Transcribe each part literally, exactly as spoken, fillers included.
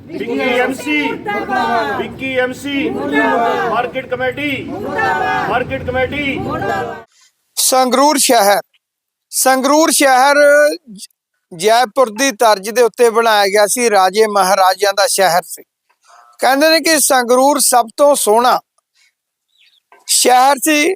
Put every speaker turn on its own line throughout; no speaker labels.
Vicky MC Vicky MC market committee market committee.
Sangrur ਸ਼ਹਿਰ ਸੰਗਰੂਰ ਸ਼ਹਿਰ ਜੈਪੁਰ ਦੀ ਤਰਜ਼ ਦੇ ਉੱਤੇ ਬਣਾਇਆ ਗਿਆ ਸੀ। ਰਾਜੇ ਮਹਾਰਾਜਿਆਂ ਦਾ ਸ਼ਹਿਰ ਸੀ। ਕਹਿੰਦੇ ਨੇ ਕਿ ਸੰਗਰੂਰ ਸਭ ਤੋਂ ਸੋਹਣਾ ਸ਼ਹਿਰ ਸੀ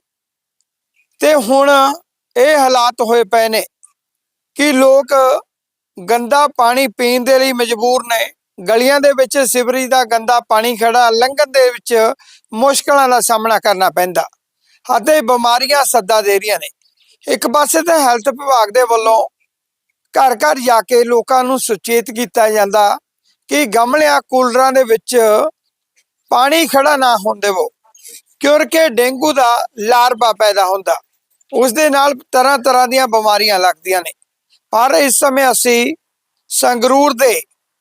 ਤੇ ਹੁਣ ਇਹ ਹਾਲਾਤ ਹੋਏ ਪਏ ਨੇ ਕਿ ਲੋਕ ਗੰਦਾ ਪਾਣੀ ਪੀਣ ਦੇ ਲਈ ਮਜਬੂਰ ਨੇ। ਗਲੀਆਂ ਦੇ ਵਿੱਚ ਸਿਵਰੇਜ ਦਾ ਗੰਦਾ ਪਾਣੀ ਖੜਾ, ਲੰਘਣ ਦੇ ਵਿੱਚ ਮੁਸ਼ਕਲਾਂ ਦਾ ਸਾਹਮਣਾ ਕਰਨਾ ਪੈਂਦਾ ਅਤੇ ਬਿਮਾਰੀਆਂ ਸੱਦਾ ਦੇ ਰਹੀਆਂ ਨੇ। ਇੱਕ ਪਾਸੇ ਤਾਂ ਹੈਲਥ ਵਿਭਾਗ ਦੇ ਵੱਲੋਂ ਘਰ ਘਰ ਜਾ ਕੇ ਲੋਕਾਂ ਨੂੰ ਸੁਚੇਤ ਕੀਤਾ ਜਾਂਦਾ ਕਿ ਗਮਲਿਆਂ ਕੂਲਰਾਂ ਦੇ ਵਿੱਚ ਪਾਣੀ ਖੜਾ ਨਾ ਹੋਣ ਦੇਵੋ, ਕਿਉਂਕਿ ਡੇਂਗੂ ਦਾ ਲਾਰਵਾ ਪੈਦਾ ਹੁੰਦਾ, ਉਸ ਦੇ ਨਾਲ ਤਰ੍ਹਾਂ ਤਰ੍ਹਾਂ ਦੀਆਂ ਬਿਮਾਰੀਆਂ ਲੱਗਦੀਆਂ ਨੇ। ਪਰ ਇਸ ਸਮੇਂ ਅਸੀਂ ਸੰਗਰੂਰ ਦੇ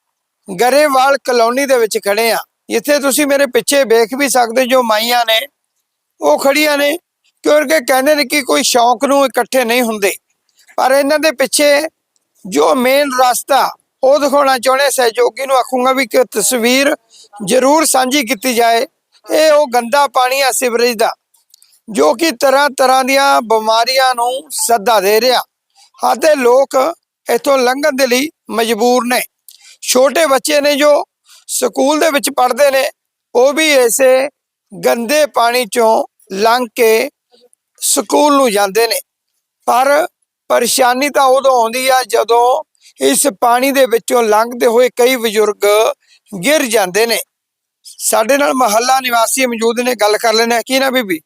ਗਰੇਵਾਲ ਕਲੋਨੀ ਦੇ ਵਿੱਚ ਖੜੇ ਆ। ਇੱਥੇ ਤੁਸੀਂ ਮੇਰੇ ਪਿੱਛੇ ਵੇਖ ਵੀ ਸਕਦੇ ਜੋ ਮਾਈਆਂ ਨੇ ਉਹ ਖੜੀਆਂ ਨੇ, ਕਿਉਂਕਿ ਕਹਿੰਦੇ ਨੇ ਕਿ ਕੋਈ ਸ਼ੌਂਕ ਨੂੰ ਇਕੱਠੇ ਨਹੀਂ ਹੁੰਦੇ, ਪਰ ਇਹਨਾਂ ਦੇ ਪਿੱਛੇ ਜੋ ਮੇਨ ਰਸਤਾ ਉਹ ਦਿਖਾਉਣਾ ਚਾਹੁੰਦੇ। ਸਹਿਯੋਗੀ ਨੂੰ ਆਖੂੰਗਾ ਵੀ ਕਿ ਤਸਵੀਰ ਜ਼ਰੂਰ ਸਾਂਝੀ ਕੀਤੀ ਜਾਏ। ਇਹ ਉਹ ਗੰਦਾ ਪਾਣੀ ਆ ਸਿਵਰੇਜ ਦਾ, ਜੋ ਕਿ ਤਰ੍ਹਾਂ ਤਰ੍ਹਾਂ ਦੀਆਂ ਬਿਮਾਰੀਆਂ ਨੂੰ ਸੱਦਾ ਦੇ ਰਿਹਾ ਅਤੇ ਲੋਕ ਇੱਥੋਂ ਲੰਘਣ ਦੇ ਲਈ ਮਜਬੂਰ ਨੇ। ਛੋਟੇ ਬੱਚੇ ਨੇ ਜੋ ਸਕੂਲ ਦੇ ਵਿੱਚ ਪੜ੍ਹਦੇ ਨੇ, ਉਹ ਵੀ ਇਸੇ ਗੰਦੇ ਪਾਣੀ ਚੋਂ ਲੰਘ ਕੇ ਸਕੂਲ ਨੂੰ ਜਾਂਦੇ ਨੇ। ਪਰ ਪਰੇਸ਼ਾਨੀ ਤਾਂ ਉਦੋਂ ਆਉਂਦੀ ਆ ਜਦੋਂ ਇਸ ਪਾਣੀ ਦੇ ਵਿੱਚੋਂ ਲੰਘਦੇ ਹੋਏ ਕਈ ਬਜ਼ੁਰਗ ਗਿਰ ਜਾਂਦੇ ਨੇ। ਸਾਡੇ ਨਾਲ ਮਹੱਲਾ ਨਿਵਾਸੀ ਮੌਜੂਦ ਨੇ, ਗੱਲ ਕਰ ਲੈਣੇ। ਕੀ ਨਾ ਬੀਬੀ?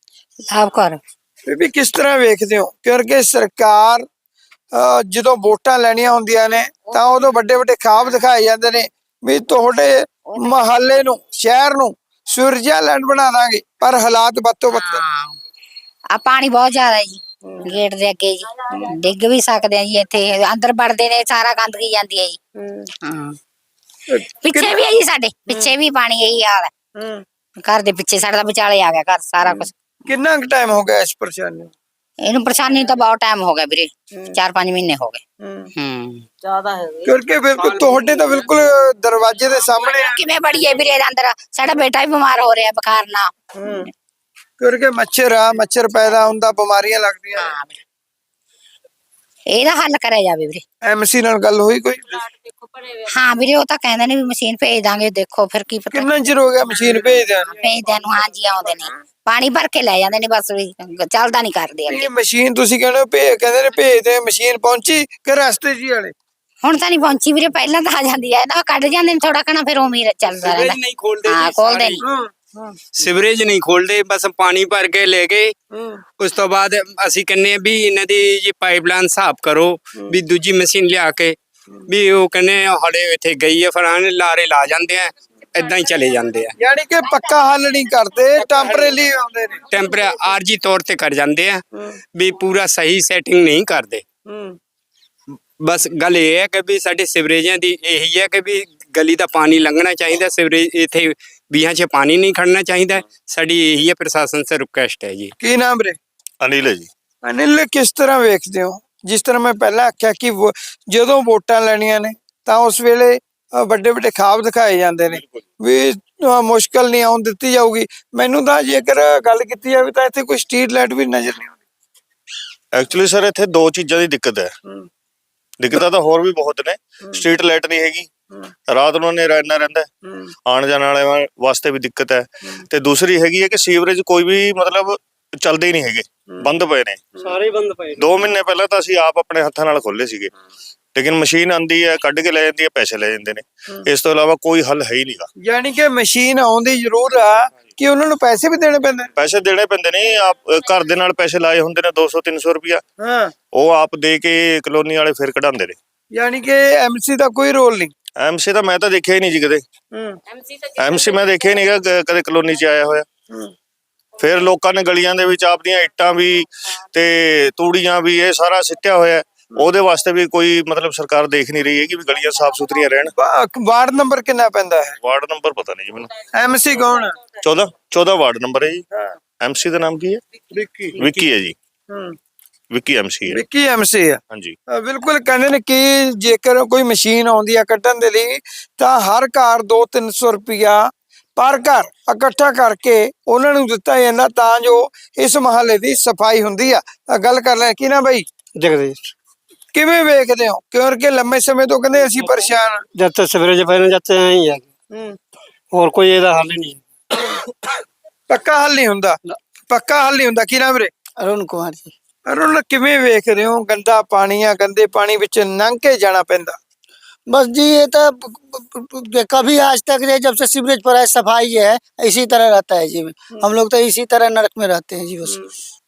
ਆਪ ਕਰ
ਬੀਬੀ ਕਿਸ ਤਰ੍ਹਾਂ ਵੇਖਦੇ ਹੋ, ਕਿਉਂਕਿ ਸਰਕਾਰ ਜਦੋਂ ਵੋਟਾਂ ਲੈਣੀਆਂ ਹੁੰਦੀਆਂ ਨੇ ਤਾਂ ਉਦੋਂ ਵੱਡੇ ਵੱਡੇ ਖਾਬ ਦਿਖਾਏ ਜਾਂਦੇ ਨੇ ਵੀ ਤੁਹਾਡੇ ਮਹੱਲੇ ਨੂੰ, ਸ਼ਹਿਰ ਨੂੰ ਸਵਿਟਜ਼ਰਲੈਂਡ ਬਣਾ ਦਾਂਗੇ, ਪਰ ਹਾਲਾਤ ਬੱਤੋ ਬੱਤਰ।
ਆ ਪਾਣੀ ਬਹੁਤ ਜ਼ਿਆਦਾ ਹੈ ਜੀ, ਗੇਟ ਦੇ ਅੱਗੇ ਜੀ ਡਿੱਗ ਵੀ ਸਕਦੇ ਆ ਜੀ। ਇੱਥੇ ਅੰਦਰ ਵੜਦੇ ਨੇ ਸਾਰਾ ਗੰਦਗੀ ਜਾਂਦੀ ਹੈ ਜੀ। ਹਾਂ ਪਿੱਛੇ ਵੀ ਹੈ ਜੀ, ਸਾਡੇ ਪਿੱਛੇ ਵੀ ਪਾਣੀ ਇਹੀ ਹਾਲ ਹੈ। ਘਰ ਦੇ ਪਿੱਛੇ ਸਾਡਾ ਵਿਚਾਲੇ ਆ ਗਿਆ ਘਰ ਸਾਰਾ ਕੁਝ।
ਕਿੰਨਾ ਕੁ ਟਾਈਮ ਹੋ ਗਿਆ ਇਸ ਪਰੇਸ਼ਾਨੀ ਨੂੰ?
ਇਹਨੂੰ ਪਰੇਸ਼ਾਨੀ ਤਾਂ ਬਹੁਤ ਟਾਈਮ ਹੋ ਗਿਆ ਵੀਰੇ, ਚਾਰ ਪੰਜ ਮਹੀਨੇ ਹੋ ਗਏ। ਹੂੰ
ਜ਼ਿਆਦਾ ਹੈ
ਕਿਉਂਕਿ ਬਿਲਕੁਲ ਤੁਹਾਡੇ ਤਾਂ ਬਿਲਕੁਲ ਦਰਵਾਜ਼ੇ ਦੇ ਸਾਹਮਣੇ ਆ।
ਕਿਵੇਂ ਬੜੀਏ ਵੀਰੇ ਇਹਦੇ ਅੰਦਰ? ਸਾਡਾ ਬੇਟਾ ਵੀ ਬਿਮਾਰ ਹੋ ਰਿਹਾ ਬੁਖਾਰ ਨਾਲ।
ਕਿਉਂਕਿ ਮੱਛਰ ਆ, ਮੱਛਰ ਪੈਦਾ ਹੁੰਦਾ, ਬਿਮਾਰੀਆਂ ਲੱਗਦੀਆਂ।
ਇਹਦਾ ਹੱਲ ਕਰਿਆ ਜਾਵੇ ਵੀਰੇ।
ਐਮਸੀ ਨਾਲ ਗੱਲ ਹੋਈ ਕੋਈ?
ਹਾਂ ਵੀਰੇ, ਉਹ ਤਾਂ ਕਹਿੰਦੇ ਨੇ ਵੀ ਮਸ਼ੀਨ ਭੇਜ ਦਾਂਗੇ, ਦੇਖੋ ਫਿਰ ਕੀ ਪਤਾ।
ਕਿੰਨਾ ਚਿਰ ਹੋ ਗਿਆ ਮਸ਼ੀਨ ਭੇਜਦਿਆਂ ਨੂੰ?
ਭੇਜਦਿਆਂ ਨੂੰ ਹਾਂਜੀ, ਆਉਂਦੇ ਨੇ ਪਾਣੀ ਭਰ ਕੇ ਲੈ ਜਾਂਦੇ ਨੇ, ਬਸ ਵੀ ਚੱਲਦਾ ਨਹੀਂ ਕਰਦੇ ਅੱਗੇ।
ਇਹ ਮਸ਼ੀਨ ਤੁਸੀਂ ਕਹਿੰਦੇ ਹੋ ਭੇਜ, ਕਹਿੰਦੇ ਨੇ ਭੇਜਦੇ, ਮਸ਼ੀਨ ਪਹੁੰਚੀ ਕਿ ਰਸਤੇ 'ਚ ਹੀ ਵਾਲੇ?
ਹੁਣ ਤਾਂ ਨਹੀਂ ਪਹੁੰਚੀ ਵੀਰੇ, ਪਹਿਲਾਂ ਤਾਂ ਆ ਜਾਂਦੀ ਹੈ ਨਾ, ਕੱਢ ਜਾਂਦੇ ਨੇ ਥੋੜਾ ਕਣਾ, ਫਿਰ ਉਵੇਂ ਹੀ ਚੱਲਦਾ ਰਹਿੰਦਾ।
ਨਹੀਂ ਖੋਲਦੇ
ਹਾਂ ਖੋਲਦੇ ਨਹੀਂ,
ਸਿਵਰੇਜ ਨਹੀਂ ਖੋਲਦੇ, ਬਸ ਪਾਣੀ ਭਰ ਕੇ ਲੈ ਗਏ। ਉਸ ਤੋਂ ਬਾਅਦ ਅਸੀਂ ਕਹਿੰਦੇ ਵੀ ਇਹਨਾਂ ਦੀ ਜੀ ਪਾਈਪਲਾਈਨ ਸਾਫ਼ ਕਰੋ, ਵੀ ਦੂਜੀ ਮਸ਼ੀਨ ਲਿਆ ਕੇ ਵੀ ਉਹ ਕਹਿੰਦੇ ਹੜੇ ਇੱਥੇ ਗਈ ਹੈ, ਫਰਾਨ ਲਾਰੇ ਲਾ ਜਾਂਦੇ ਆ, ਏਦਾਂ ਹੀ ਚਲੇ ਜਾਂਦੇ ਆ।
ਯਾਨੀ ਕਿ ਪੱਕਾ ਹੱਲ ਨਹੀਂ ਕਰਦੇ, ਟੈਂਪਰੇਰੀ ਆਉਂਦੇ ਨੇ,
ਟੈਂਪਰੇ ਆਰਜੀ ਤੌਰ ਤੇ ਕਰ ਜਾਂਦੇ ਆ, ਵੀ ਪੂਰਾ ਸਹੀ ਸੈਟਿੰਗ ਨਹੀਂ ਕਰਦੇ। ਬਸ ਗੱਲ ਇਹ ਹੈ ਕਿ ਵੀ ਸਾਡੇ ਸਿਵਰੇਜਾਂ ਦੀ ਇਹੀ ਹੈ ਕਿ ਵੀ ਗਲੀ ਦਾ ਪਾਣੀ ਲੰਘਣਾ ਚਾਹੀਦਾ, ਸਿਵਰੇਜ ਇੱਥੇ ਵੀਹਾਂ 'ਚ ਪਾਣੀ ਨਹੀਂ ਖੜਨਾ ਚਾਹੀਦਾ। ਸਾਡੀ ਇਹੀ ਹੈ ਪ੍ਰਸ਼ਾਸਨ ਸੇ ਰਿਕੁਐਸਟ ਹੈ ਜੀ।
ਕੀ ਨਾਮ ਵੀਰੇ?
ਅਨਿਲ ਹੈ ਜੀ।
ਅਨਿਲ, ਕਿਸ ਤਰ੍ਹਾਂ ਵੇਖਦੇ ਹੋ, ਜਿਸ ਤਰ੍ਹਾਂ ਮੈਂ ਪਹਿਲਾਂ ਆਖਿਆ ਕਿ ਜਦੋਂ ਵੋਟਾਂ ਲੈਣੀਆਂ ਨੇ ਤਾਂ ਉਸ ਵੇਲੇ ਵੱਡੇ ਵੱਡੇ ਖਾਬ ਦਿਖਾਏ ਜਾਂਦੇ ਨੇ ਵੀ ਮੁਸ਼ਕਲ ਨਹੀਂ ਆਉਣ ਦਿੱਤੀ ਜਾਊਗੀ। ਮੈਨੂੰ ਤਾਂ ਜੇਕਰ ਗੱਲ ਕੀਤੀ ਜਾਵੇ ਤਾਂ ਇੱਥੇ ਕੋਈ ਸਟਰੀਟ ਲਾਈਟ ਵੀ ਨਜ਼ਰ ਨਹੀਂ ਆਉਂਦੀ।
ਐਕਚੁਅਲੀ ਸਰ ਇੱਥੇ ਦੋ ਚੀਜ਼ਾਂ ਦੀ ਦਿੱਕਤ ਹੈ। ਦਿੱਕਤਾਂ ਤਾਂ ਹੋਰ ਵੀ ਬਹੁਤ ਨੇ। ਸਟਰੀਟ ਲਾਈਟ ਨਹੀਂ ਹੈਗੀ, ਰਾਤ ਨੂੰ ਹਨੇਰਾ ਇੰਨਾ ਰਹਿੰਦਾ, ਆਉਣ ਜਾਣ ਵਾਲੇ ਵਾਸਤੇ ਵੀ ਦਿੱਕਤ ਹੈ। ਤੇ ਦੂਸਰੀ ਹੈਗੀ ਹੈ ਕਿ ਸੀਵਰੇਜ ਕੋਈ ਵੀ ਮਤਲਬ ਚੱਲਦੇ ਹੀ ਨਹੀਂ ਹੈਗੇ, ਬੰਦ ਪਏ ਨੇ,
ਸਾਰੇ ਬੰਦ ਪਏ।
ਦੋ ਮਹੀਨੇ ਪਹਿਲਾਂ ਤਾਂ ਅਸੀਂ ਆਪ ਆਪਣੇ ਹੱਥਾਂ ਨਾਲ ਖੋਲੇ ਸੀਗੇ, ਲੇਕਿਨ ਮਸ਼ੀਨ ਆਂਦੀ ਹੈ, ਕੱਢ ਕੇ ਲੈ ਜਾਂਦੀ ਹੈ, ਪੈਸੇ ਲੈ ਜਾਂਦੇ ਨੇ। ਇਸ ਤੋਂ ਇਲਾਵਾ ਕੋਈ ਹੱਲ ਹੈ ਹੀ ਨਹੀਂਗਾ।
ਯਾਨੀ ਕਿ ਮਸ਼ੀਨ ਆਉਂਦੀ ਜ਼ਰੂਰ ਆ ਕਿ ਉਹਨਾਂ ਨੂੰ ਪੈਸੇ ਵੀ ਦੇਣੇ ਪੈਂਦੇ?
ਪੈਸੇ ਦੇਣੇ ਪੈਂਦੇ ਨੇ। ਆਪ ਘਰ ਦੇ ਨਾਲ ਪੈਸੇ ਲਾਏ ਹੁੰਦੇ ਨੇ ਦੋ ਸੌ ਤਿੰਨ ਸੌ ਰੁਪਇਆ,
ਹਾਂ, ਉਹ
ਆਪ ਦੇ ਕੇ ਕਲੋਨੀ ਵਾਲੇ ਫਿਰ ਕਢਾਉਂਦੇ ਨੇ।
ਯਾਨੀ ਕਿ ਐਮਸੀ ਦਾ ਕੋਈ ਰੋਲ ਨਹੀਂ?
ਐਮਸੀ ਤਾਂ ਮੈਂ ਤਾਂ ਦੇਖਿਆ ਹੀ ਨਹੀਂ ਜੀ ਕਦੇ। ਐਮਸੀ ਮੈਂ ਦੇਖਿਆ ਹੀ ਨਹੀਂ ਗਾ ਕਦੇ ਕਲੋਨੀ 'ਚ ਆਇਆ ਹੋਇਆ। ਫਿਰ ਲੋਕਾਂ ਨੇ ਗਲੀਆਂ ਦੇ ਵਿੱਚ ਆਪਦੀਆਂ ਇੱਟਾਂ ਵੀ ਤੇ ਤੂੜੀਆਂ ਵੀ ਇਹ ਸਾਰਾ ਸਿੱਟਿਆ ਹੋਇਆ, ਉਹਦੇ ਵਾਸਤੇ ਵੀ ਕੋਈ ਮਤਲਬ ਸਰਕਾਰ ਦੇਖ ਨਹੀਂ ਰਹੀ ਹੈ ਕਿ ਵੀ ਗਲੀਆਂ ਸਾਫ਼ ਸੁਥਰੀਆਂ ਰਹਿਣ।
ਵਾਰਡ ਨੰਬਰ ਕਿੰਨਾ ਪੈਂਦਾ ਹੈ?
ਵਾਰਡ ਨੰਬਰ ਪਤਾ ਨਹੀਂ ਜੀ ਮੈਨੂੰ।
ਐਮਸੀ ਕੌਣ?
ਚੌਦਾਂ ਚੌਦਾਂ ਵਾਰਡ ਨੰਬਰ ਹੈ ਜੀ। ਐਮਸੀ ਦਾ ਨਾਮ ਕੀ ਹੈ?
ਵਿੱਕੀ।
ਵਿੱਕੀ ਹੈ ਜੀ। ਵਿੱਕੀ ਐਮਸੀ ਹੈ।
ਵਿੱਕੀ ਐਮਸੀ ਆ।
ਹਾਂਜੀ
ਅ, ਬਿਲਕੁਲ ਕਹਿੰਦੇ ਨੇ ਕਿ ਜੇਕਰ ਕੋਈ ਮਸ਼ੀਨ ਆਉਂਦੀ ਆ ਕੱਢਣ ਦੇ ਲਈ ਤਾਂ ਹਰ ਘਰ ਦੋ ਤਿੰਨ ਸੌ ਰੁਪਇਆ ਪਰ ਘਰ ਇਕੱਠਾ ਕਰਕੇ ਉਹਨਾਂ ਨੂੰ ਦਿੱਤਾ ਜਾਂਦਾ ਤਾਂ ਜੋ ਇਸ ਮਹੱਲੇ ਦੀ ਸਫਾਈ ਹੁੰਦੀ ਆ। ਅ, ਗੱਲ ਕਰ ਲੈ ਕੀ ਨਾ ਬਾਈ
जगदीश।
ਕਿਵੇਂ ਵੇਖਦੇ ਹੋ ਕਿਉਂਕਿ ਲੰਮੇ ਸਮੇਂ ਤੋਂ ਕਹਿੰਦੇ ਅਸੀਂ ਪਰੇਸ਼ਾਨ ਹਾਂ।
जब तक सवेरे पहले जाते हैं यहीं आगे,
ਹੂੰ
और कोई ਇਹਦਾ हल ही नहीं है।
ਪੱਕਾ ਹੱਲ ਨਹੀਂ ਹੁੰਦਾ ਪੱਕਾ ਹੱਲ ਨਹੀਂ ਹੁੰਦਾ ਕੀ ਨਾ ਵੀਰੇ
अरुण कुमार जी।
ਅਰੁਣ ਕਿਵੇਂ ਵੇਖਦੇ ਹੋ ਗੰਦਾ ਪਾਣੀ ਆ ਗੰਦੇ ਪਾਣੀ ਵਿੱਚ ਲੰਘ ਕੇ ਜਾਣਾ ਪੈਂਦਾ।
बस जी ये तो कभी आज तक ये जब से सीवरेज पर है सफाई है इसी तरह रहता है जी। हम लोग तो इसी तरह नरक में रहते हैं जी बस।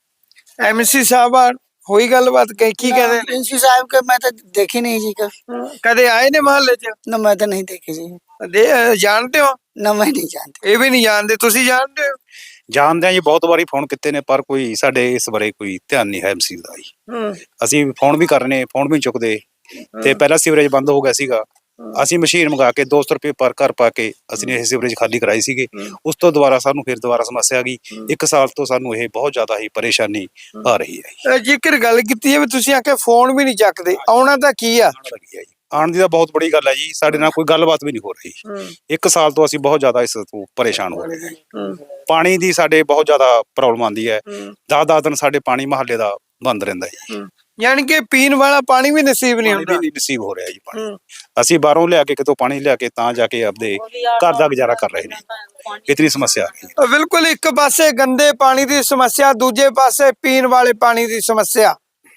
ਐਮਸੀ ਸਾਹਿਬ ਆ ਹੋਈ ਗੱਲਬਾਤ ਕਹੀ ਕੀ ਕਹਿੰਦੇ ਨੇ
प्रिंसी साहब के मैं तो देखी नहीं जी कभी,
ਕਦੇ ਆਏ ਨੇ ਮਹੱਲੇ 'ਚ
न मैं तो नहीं देखी जी,
ਦੇ ਜਾਣਦੇ ਹੋ
न मैं नहीं जानती।
ਇਹ ਵੀ ਨਹੀਂ ਜਾਣਦੇ ਤੁਸੀਂ ਜਾਣਦੇ ਹੋ।
ਜਾਣਦੇ ਆ ਜੀ, ਬਹੁਤ ਵਾਰੀ ਫੋਨ ਕੀਤੇ ਨੇ ਪਰ ਕੋਈ ਸਾਡੇ ਇਸ ਬਾਰੇ ਕੋਈ ਧਿਆਨ ਨਹੀਂ ਹੈ ਐਮਸੀ ਦਾ ਜੀ।
ਹੂੰ
ਅਸੀਂ ਫੋਨ ਵੀ ਕਰ ਰਹੇ ਨੇ, ਫੋਨ ਵੀ ਨੀ ਚੁੱਕਦੇ ਤੇ ਪਹਿਲਾਂ ਸੀਵਰੇਜ ਬੰਦ ਹੋ ਗਿਆ ਸੀਗਾ। ਅਸੀਂ ਮਸ਼ੀਨ ਮੰਗਾ ਕੇ ਦੋ ਸੌ ਰੁਪਏ ਪਰ ਘਰ ਪਾ ਕੇ ਅਸੀਂ ਇਹ ਸੀਵਰੇਜ ਖਾਲੀ ਕਰਾਈ ਸੀਗੇ। ਉਸ ਤੋਂ ਦੁਬਾਰਾ ਸਾਨੂੰ ਫਿਰ ਦੁਬਾਰਾ ਸਮੱਸਿਆ ਆ ਗਈ। ਇੱਕ ਸਾਲ ਤੋਂ ਸਾਨੂੰ ਇਹ ਬਹੁਤ ਜ਼ਿਆਦਾ ਹੀ ਪਰੇਸ਼ਾਨੀ ਆ ਰਹੀ ਹੈ ਜੀ।
ਅ, ਜੇਕਰ ਗੱਲ ਕੀਤੀ ਹੈ ਵੀ ਤੁਸੀਂ ਆ ਕੇ ਫੋਨ ਵੀ ਨਹੀਂ ਚੱਕਦੇ ਆਉਣਾ ਤਾਂ ਕੀ ਆ।
ਆਉਣ ਲੱਗੀ ਹੈ ਜੀ, ਆਉਣ ਦੀ ਤਾਂ ਬਹੁਤ ਬੜੀ ਗੱਲ ਹੈ ਜੀ। ਸਾਡੇ ਨਾਲ ਕੋਈ ਗੱਲਬਾਤ ਵੀ ਨਹੀਂ ਹੋ ਰਹੀ। ਇੱਕ ਸਾਲ ਤੋਂ ਅਸੀਂ ਬਹੁਤ ਜ਼ਿਆਦਾ ਇਸ ਤੋਂ ਪਰੇਸ਼ਾਨ ਹੋ ਰਹੇ ਹਾਂ। ਪਾਣੀ ਦੀ ਸਾਡੇ ਬਹੁਤ ਜ਼ਿਆਦਾ ਪ੍ਰੋਬਲਮ ਆਉਂਦੀ ਹੈ। ਦਸ ਦਸ ਦਿਨ ਸਾਡੇ ਪਾਣੀ ਮਹੱਲੇ ਦਾ ਬੰਦ ਰਹਿੰਦਾ ਜੀ।
ਯਾਨੀ ਕਿ ਪੀਣ ਵਾਲਾ ਪਾਣੀ ਵੀ ਨਸੀਬ ਨਹੀਂ
ਪਾਣੀ
ਹੁੰਦਾ।
ਵੀ ਨਹੀਂ ਨਸੀਬ ਹੋ ਰਿਹਾ ਜੀ ਪਾਣੀ। ਅਸੀਂ ਬਾਹਰੋਂ ਲਿਆ ਕੇ ਕਿਤੋਂ ਪਾਣੀ ਲਿਆ ਕੇ ਤਾਂ ਜਾ ਕੇ ਆਪਦੇ ਘਰ ਦਾ ਗੁਜ਼ਾਰਾ ਕਰ ਰਹੇ ਨੇ। ਇਤਨੀ ਸਮੱਸਿਆ ਆ ਰਹੀ ਹੈ।
ਅ, ਬਿਲਕੁਲ ਇੱਕ ਪਾਸੇ ਗੰਦੇ ਪਾਣੀ ਦੀ ਸਮੱਸਿਆ ਦੂਜੇ ਪਾਸੇ ਪੀਣ ਵਾਲੇ ਪਾਣੀ ਦੀ ਸਮੱਸਿਆ।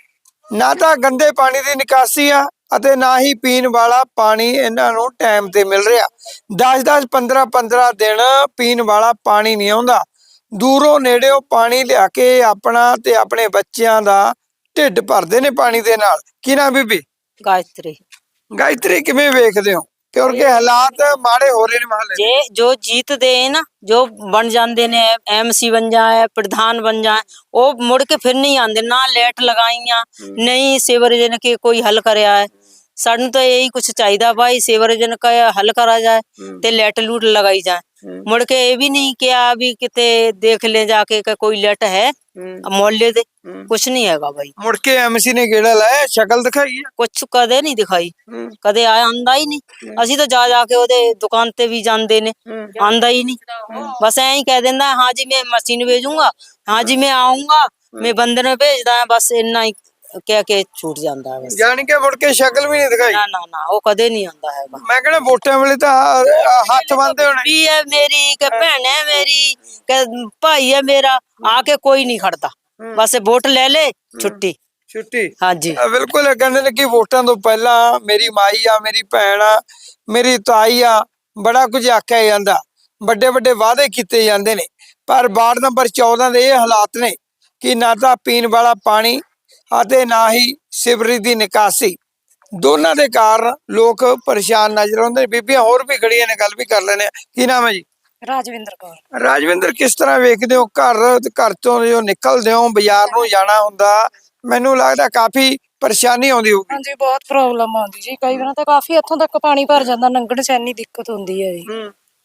ਨਾ ਤਾਂ ਗੰਦੇ ਪਾਣੀ ਦੀ ਨਿਕਾਸੀ ਆ ਅਤੇ ਨਾ ਹੀ ਪੀਣ ਵਾਲਾ ਪਾਣੀ ਇਹਨਾਂ ਨੂੰ ਟਾਈਮ ਤੇ ਮਿਲ ਰਿਹਾ। ਦਸ ਦਸ ਪੰਦਰਾਂ ਪੰਦਰਾਂ ਦਿਨ ਪੀਣ ਵਾਲਾ ਪਾਣੀ ਨਹੀਂ ਆਉਂਦਾ। ਦੂਰੋਂ ਨੇੜਿਓਂ ਪਾਣੀ ਲਿਆ ਕੇ ਆਪਣਾ ਤੇ ਆਪਣੇ ਬੱਚਿਆਂ ਦਾ ਢਿੱਡ ਭਰਦੇ ਨੇ ਪਾਣੀ ਦੇ ਨਾਲ। ਕੀ ਨਾ ਬੀਬੀ
गायत्री
ਗਾਇਤਰੀ ਕਿਵੇਂ ਵੇਖਦੇ ਹੋ ਕਿਉਂਕਿ ਹਾਲਾਤ ਮਾੜੇ ਹੋ ਰਹੇ ਨੇ ਮਹੱਲੇ
जे जो जीतते हैं ना, जो बन जाते ने एमसी बन जाए प्रधान बन जाए, वो मुड़ के फिर नहीं आते ना। लेट लगाइया नहीं सीवरेज ने के कोई हल कराया है। सानू तो यही कुछ चाहिए भाई, सीवरेज का हल करा जाए ते लेट लूट लगाई जाए। मुड़ के ये भी नहीं किया भी किते देख ले जाके कि कोई लेट है मोहल्ले दे, कुछ नहीं हैगा भाई।
ਮੁੜ ਕੇ ਐਮਸੀ ਨੇ ਗੇੜਾ ਲਾਇਆ ਸ਼ਕਲ ਦਿਖਾਈ ਹੈ।
कुछ कदे नहीं दिखाई, कदे आया आंदा ही नहीं। ਅਸੀਂ ਤਾਂ ਜਾ ਜਾ ਕੇ ਉਹਦੇ ਦੁਕਾਨ ਤੇ ਵੀ ਜਾਂਦੇ ਨੇ, ਆਂਦਾ ही नहीं। बस ऐ ही कह देंदा हाँ जी मैं मशीन भेजूंगा, हाँ जी मैं आऊंगा, मैं बंदे ने भेजदा है, बस इन्ना ही ਕਹਿ ਕੇ ਛੂਟ ਜਾਂਦਾ ਹੈ ਬਸ।
ਜਾਣ ਕੇ ਮੁੜ ਕੇ ਸ਼ਕਲ ਵੀ ਨਹੀਂ ਦਿਖਾਈ।
ਨਾ ਨਾ ਨਾ ਉਹ ਕਦੇ ਨਹੀਂ ਆਂਦਾ ਹੈਗਾ।
ਮੈਂ ਕਹਿੰਦਾ ਵੋਟਾਂ ਵੇਲੇ ਤਾਂ ਹ- ਹੱਥ ਬੰਨਦੇ ਹੋਣੇ।
ਵੀ ਹੈ ਮੇਰੀ ਕਿ ਭੈਣ ਹੈ ਮੇਰੀ ਕਿ ਭਾਈ ਹੈ ਮੇਰਾ, ਆ ਕੇ ਕੋਈ ਨਹੀਂ ਖੜਦਾ। ਬਸ ਵੋਟ ਲੈ ਲੈ ਛੁੱਟੀ।
ਛੁੱਟੀ
ਹਾਂਜੀ
ਆ, ਬਿਲਕੁਲ ਕਹਿੰਦੇ ਨੇ ਕਿ ਵੋਟਾਂ ਤੋਂ ਪਹਿਲਾਂ ਮੇਰੀ ਮਾਈ ਆ ਮੇਰੀ ਭੈਣ ਆ ਮੇਰੀ ਤਾਈ ਆ ਬੜਾ ਕੁਝ ਆਖਿਆ ਜਾਂਦਾ। ਵੱਡੇ ਵੱਡੇ ਵਾਅਦੇ ਕੀਤੇ ਜਾਂਦੇ ਨੇ ਪਰ ਵਾਰਡ ਨੰਬਰ ਚੌਦਾਂ ਦੇ ਇਹ ਹਾਲਾਤ ਨੇ ਕਿ ਨਾ ਤਾਂ ਪੀਣ ਵਾਲਾ ਪਾਣੀ ਅਤੇ ਨਾ ਹੀ ਸੀਵਰੇਜ ਦੀ ਨਿਕਾਸੀ। ਦੋਨਾਂ ਦੇ ਕਾਰਨ ਲੋਕ ਪਰੇਸ਼ਾਨ ਨਜ਼ਰ ਆਉਂਦੇ ਨੇ। ਬੀਬੀਆਂ ਹੋਰ ਵੀ ਖੜੀਆਂ ਨੇ, ਗੱਲ ਵੀ ਕਰ ਲੈਣੇ। ਕੀ ਨਾਮ ਹੈ ਜੀ?
ਰਾਜਵਿੰਦਰ ਕੌਰ।
ਰਾਜਵਿੰਦਰ ਕਿਸ ਤਰ੍ਹਾਂ ਵੇਖਦੇ ਹੋ ਘਰ ਘਰ ਤੋਂ ਜੋ ਨਿਕਲਦੇ ਹੋ ਬਾਜ਼ਾਰ ਨੂੰ ਜਾਣਾ ਹੁੰਦਾ, ਮੈਨੂੰ ਲੱਗਦਾ ਕਾਫੀ ਪਰੇਸ਼ਾਨੀ ਆਉਂਦੀ ਹੋਊਗੀ।
ਹਾਂਜੀ ਬਹੁਤ ਪ੍ਰੋਬਲਮ ਆਉਂਦੀ ਜੀ, ਕਈ ਵਾਰ ਤਾਂ ਕਾਫੀ ਇੱਥੋਂ ਤੱਕ ਪਾਣੀ ਭਰ ਜਾਂਦਾ, ਲੰਘਣ ਚ ਇੰਨੀ ਦਿੱਕਤ ਹੁੰਦੀ ਹੈ ਜੀ।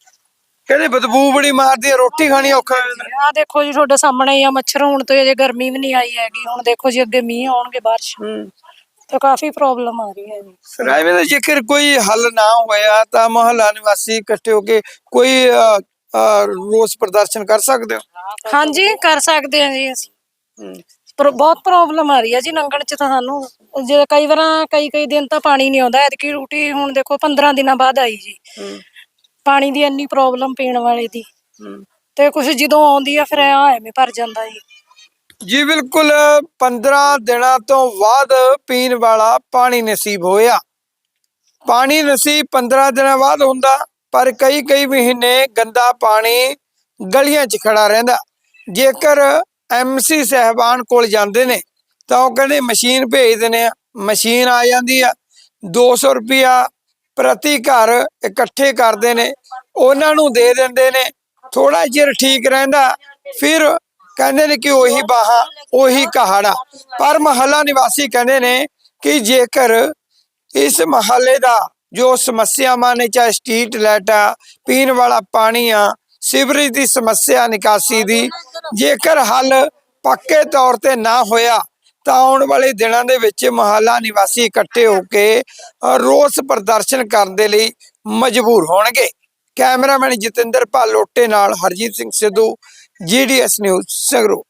ਕਹਿੰਦੇ ਬਦਬੂ ਬੜੀ ਮਾਰਦੀ ਹੈ, ਰੋਟੀ ਖਾਣੀ ਔਖਾ ਹੋ ਜਾਂਦਾ।
ਆਹ ਦੇਖੋ ਜੀ ਤੁਹਾਡੇ ਸਾਹਮਣੇ ਹੀ ਆ, ਮੱਛਰ ਹੁਣ ਤੋਂ ਅਜੇ ਗਰਮੀ ਵੀ ਨਹੀਂ ਆਈ ਹੈਗੀ। ਹੁਣ ਦੇਖੋ ਜੀ ਅੱਗੇ ਮੀਂਹ ਆਉਣਗੇ, ਬਾਰਿਸ਼, ਤਾਂ ਕਾਫੀ ਪ੍ਰੋਬਲਮ ਆ ਰਹੀ ਹੈ ਜੀ।
ਰਾਜਵਿੰਦਰ ਜੇਕਰ ਕੋਈ ਹੱਲ ਨਾ ਹੋਇਆ ਤਾਂ ਮੁਹੱਲਾ ਨਿਵਾਸੀ ਇਕੱਠੇ ਹੋ ਕੇ ਕੋਈ ਅ, ਅ, ਰੋਸ ਪ੍ਰਦਰਸ਼ਨ ਕਰ ਸਕਦੇ ਹੋ?
ਹਾਂਜੀ ਕਰ ਸਕਦੇ ਹਾਂ ਜੀ ਅਸੀਂ। ਪਰ ਬਹੁਤ ਪ੍ਰੋਬਲਮ ਆ ਰਹੀ ਹੈ ਜੀ ਲੰਘਣ ਚ ਤਾਂ ਸਾਨੂੰ। ਜੇ ਕਈ ਵਾਰ ਕਈ ਕਈ ਦਿਨ ਤਾਂ ਪਾਣੀ ਨਹੀਂ ਆਉਂਦਾ। ਐਤਕੀ ਰੂਟੀ ਹੁਣ ਦੇਖੋ ਪੰਦਰਾਂ ਦਿਨਾਂ ਬਾਅਦ ਆਈ ਜੀ। ਪਾਣੀ ਦੀ ਇੰਨੀ ਪ੍ਰੋਬਲਮ ਪੀਣ ਵਾਲੇ ਦੀ, ਤੇ ਕੁਛ ਜਦੋਂ ਆਉਂਦੀ ਆ ਫਿਰ ਐਵੇਂ ਭਰ ਜਾਂਦਾ ਜੀ।
ਜੀ ਬਿਲਕੁਲ ਪੰਦਰਾਂ ਦਿਨਾਂ ਤੋਂ ਬਾਅਦ ਪੀਣ ਵਾਲਾ ਪਾਣੀ ਨਸੀਬ ਹੋਇਆ। ਪਾਣੀ ਨਸੀਬ ਪੰਦਰਾਂ ਦਿਨਾਂ ਬਾਅਦ ਹੁੰਦਾ ਪਰ ਕਈ ਕਈ ਮਹੀਨੇ ਗੰਦਾ ਪਾਣੀ ਗਲੀਆਂ 'ਚ ਖੜਾ ਰਹਿੰਦਾ। ਜੇਕਰ ਐਮਸੀ ਸਾਹਿਬਾਨ ਕੋਲ ਜਾਂਦੇ ਨੇ ਤਾਂ ਉਹ ਕਹਿੰਦੇ ਮਸ਼ੀਨ ਭੇਜ ਦਿੰਦੇ ਆ, ਮਸ਼ੀਨ ਆ ਜਾਂਦੀ ਆ, ਦੋ ਸੌ ਰੁਪਇਆ ਪ੍ਰਤੀ ਘਰ ਇਕੱਠੇ ਕਰਦੇ ਨੇ, ਉਹਨਾਂ ਨੂੰ ਦੇ ਦਿੰਦੇ ਨੇ। ਥੋੜਾ ਚਿਰ ਠੀਕ ਰਹਿੰਦਾ ਫਿਰ ਕਹਿੰਦੇ ਨੇ ਕਿ ਉਹੀ ਬਾਹਾ ਉਹੀ ਕਹਾੜਾ। ਪਰ ਮਹੱਲਾ ਨਿਵਾਸੀ ਕਹਿੰਦੇ ਨੇ ਕਿ ਜੇਕਰ ਇਸ ਮਹੱਲੇ ਦਾ ਜੋ ਸਮੱਸਿਆਵਾਂ ਨੇ, ਚਾਹੇ ਸਟਰੀਟ ਲਾਈਟ ਆ, ਪੀਣ ਵਾਲਾ ਪਾਣੀ ਆ, ਸੀਵਰੇਜ ਦੀ ਸਮੱਸਿਆ, ਨਿਕਾਸੀ ਦੀ, ਜੇਕਰ ਹੱਲ ਪੱਕੇ ਤੌਰ ਤੇ ਨਾ ਹੋਇਆ ਤਾਂ ਆਉਣ ਵਾਲੇ ਦਿਨਾਂ ਦੇ ਵਿੱਚ ਮੁਹੱਲਾ ਨਿਵਾਸੀ ਇਕੱਠੇ ਹੋ ਕੇ ਅ, ਰੋਸ ਪ੍ਰਦਰਸ਼ਨ ਕਰਨ ਦੇ ਲਈ ਮਜਬੂਰ ਹੋਣਗੇ। ਕੈਮਰਾਮੈਨ ਜਤਿੰਦਰ ਭਾਲੋਟੇ ਨਾਲ ਹਰਜੀਤ ਸਿੰਘ ਸਿੱਧੂ, ਜੀ ਡੀ ਐਸ ਨਿਊਜ਼ ਸੰਗਰੂਰ।